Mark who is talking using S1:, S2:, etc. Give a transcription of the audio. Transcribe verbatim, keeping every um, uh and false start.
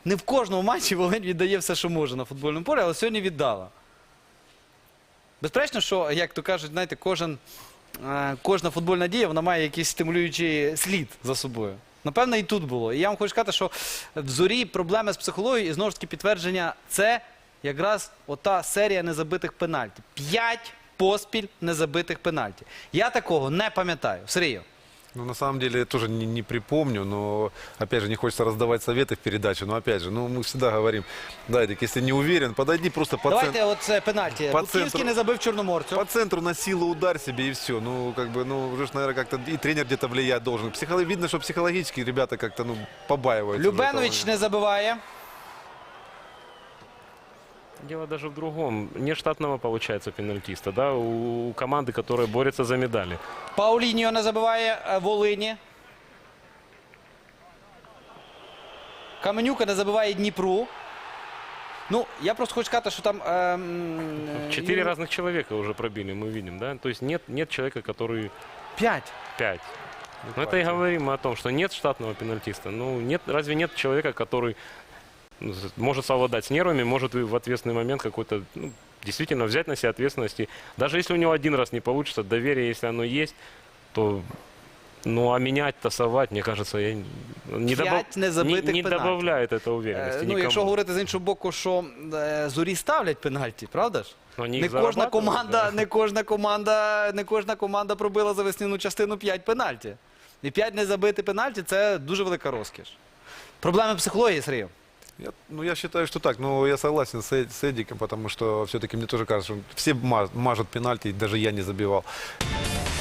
S1: не в кожному матчі Волинь віддає все, що може на футбольному полі, але сьогодні віддала. Безперечно, що, як то кажуть, знаєте, кожен, е, кожна футбольна дія, вона має якийсь стимулюючий слід за собою. Напевно, і тут було. І я вам хочу сказати, що в Зорі проблеми з психологією, і знову ж таки підтвердження, це якраз ота серія незабитих пенальтів. П'ять поспіль незабитих пенальтів. Я такого не пам'ятаю. Сергію.
S2: Ну, на самом деле, я тоже не, не припомню, но, опять же, не хочется раздавать советы в передаче, но, опять же, ну, мы всегда говорим, да, Эдик, если не уверен, подойди просто по
S1: Давайте
S2: центру.
S1: оце пенальті.
S2: По
S1: Бутівський
S2: центру.
S1: не забив Чорноморцю.
S2: По центру на силу удар себе и все. Ну, как бы, ну, уже, наверное, как-то и тренер где-то влиять должен. Психолог... Видно, что психологически ребята как-то, ну, побаиваются.
S1: Любенович не забиває.
S3: Дело даже в другом. Нет штатного, получается, пенальтиста, да, у, у команды, которая борется за медали.
S1: Пауліньо не забиває е, Волині. Каменюка не забиває Дніпру. Ну, я просто хочу сказати, що там... ем,
S3: Четыре
S1: Ю-
S3: разных человека уже пробили, мы видим, да? То есть нет, нет человека, который
S1: П'ять.
S3: пять. Но это и говорим мы о том, что нет штатного пенальтиста. Ну, нет, разве нет человека, который ну, з- может совладать с нервами, может и в ответственный момент какой-то, ну, действительно взять на себя ответственность. И даже если у него один раз не получится, доверие, если оно есть, то... Ну, а менять, тасовать, мне кажется, я не, добав...
S1: П'ять
S3: не,
S1: незабитих
S3: не
S1: пенальтів.
S3: добавляет это
S1: Е,
S3: уверенности
S1: Ну,
S3: никому.
S1: якщо говорити з іншого боку, що е, Зорі ставлять пенальті, правда ж?
S3: Вони
S1: Не
S3: їх
S1: кожна
S3: зарабатують,
S1: команда,
S3: да.
S1: не кожна команда, не кожна команда пробила за весняну частину п'ять пенальті. І п'ять незабитих пенальті – це дуже велика розкіш. Проблеми психології, Сергій?
S2: Я, ну, я считаю, что так. Но я согласен с, Эд- с Эдиком, потому что все-таки мне тоже кажется, что все ма- мажут пенальти, даже я не забивал.